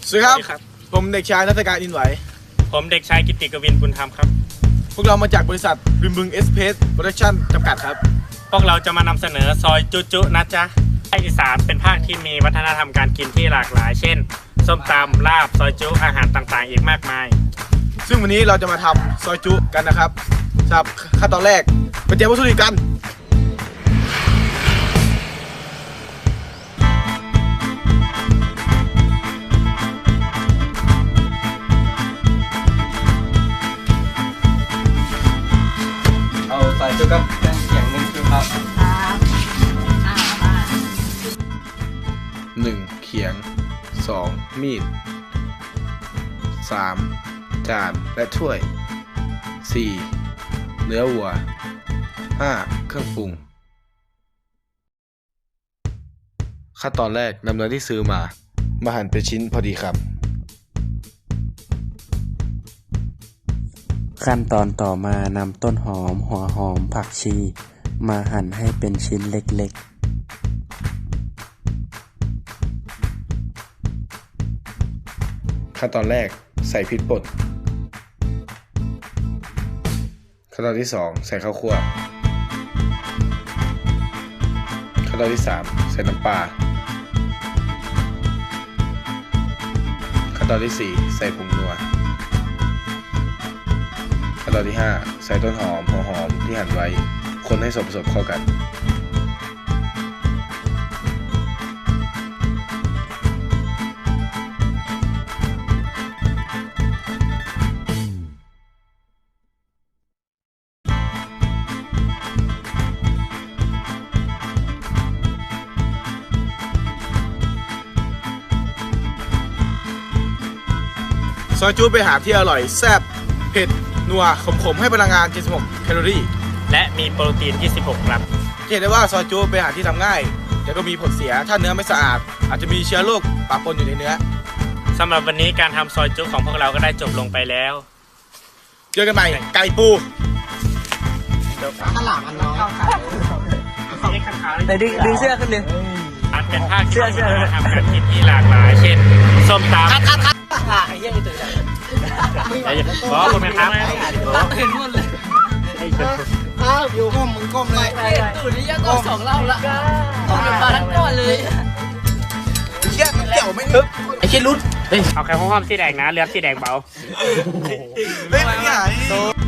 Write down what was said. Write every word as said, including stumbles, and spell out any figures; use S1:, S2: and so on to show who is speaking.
S1: สวัสดีครับผมเด็กชายนัฐการอินไหว
S2: ผมเด็กชายกิตติกวินบุญธรรมครับ
S1: พวกเรามาจากบริษัทริมบึงเอสเพสโปรดักชั่นจำกัดครับ
S2: พวกเราจะมานำเสนอซอยจุจุนะจ๊ะภาคอีสานเป็นภาคที่มีวัฒนธรรมการกินที่หลากหลายเช่นส้มตำลาบซอยจุอาหารต่างๆอีกมากมาย
S1: ซึ่งวันนี้เราจะมาทำซอยจุกันนะครับสำหรับขั้นตอนแรกไปเตรียมวัตถุดิบกัน
S3: เอาใส่จุกับแกงเขียงหนึ่งจุครับ
S1: หนึ่งเขียงสองมีดสามจานและถ้วยสี่เนื้อวัวห้าเครื่องปรุงขั้นตอนแรกนำเนื้อที่ซื้อมามาหั่นเป็นชิ้นพอดีครับ
S4: ขั้นตอนต่อมานำต้นหอมหัวหอมผักชีมาหั่นให้เป็นชิ้นเล็ก
S1: ๆขั้นตอนแรกใส่พริกป่นขั้นตอนที่สองใส่ข้าวคั่วขั้นตอนที่สามใส่น้ำปลาขั้นตอนที่สี่ใส่ผงนัวขั้นตอนที่ห้าใส่ต้นหอมหัวหอมที่หั่นไว้คนให้ส่วนผสมเข้ากันซอยจูเป็นอาหารที่อร่อยแซ่บเผ็ดนัวขมๆให้พลังงานเจ็ดสิบหกแคลอรี่
S2: และมีโปรตีนยี่สิบหกกรัม
S1: เห็นได้ว่าซอยจูเป็นอาหารที่ทำง่ายแต่ก็มีผลเสียถ้าเนื้อไม่สะอาดอาจจะมีเชื้อโรคปะปนอยู่ในเนื้อ
S2: สำหรับวันนี้การทำซอยจุของพวกเราก็ได้จบลงไปแล้ว
S1: เจอกันใหม่ไก่ปู
S3: ข้าวหลามอันน้อย
S2: แต่
S3: ดึงดึงเสื้อขึ้นเลย
S2: อันเป็นภาคเสื้อเสื้อทำการกินที่หลากหลายเช่นส้มตำ
S3: ไอ้เหี้ยตื่นเลย
S2: บอกคุณไหมครับ
S3: ตื่นหมดเลยอ้าวอยู่ก้มมึงก้มเลย
S5: ตื่นนี่ยังก็สองรอบละสองมาทั้งก้อนเลย
S1: เชี่ยเกี่ยวไม่ทึบ
S3: ไอ้เชี่ยรุด
S2: เอาแค่ห้องสีแดงนะเลือดสีแดงเบา
S1: เฮ้ยไม่ใช่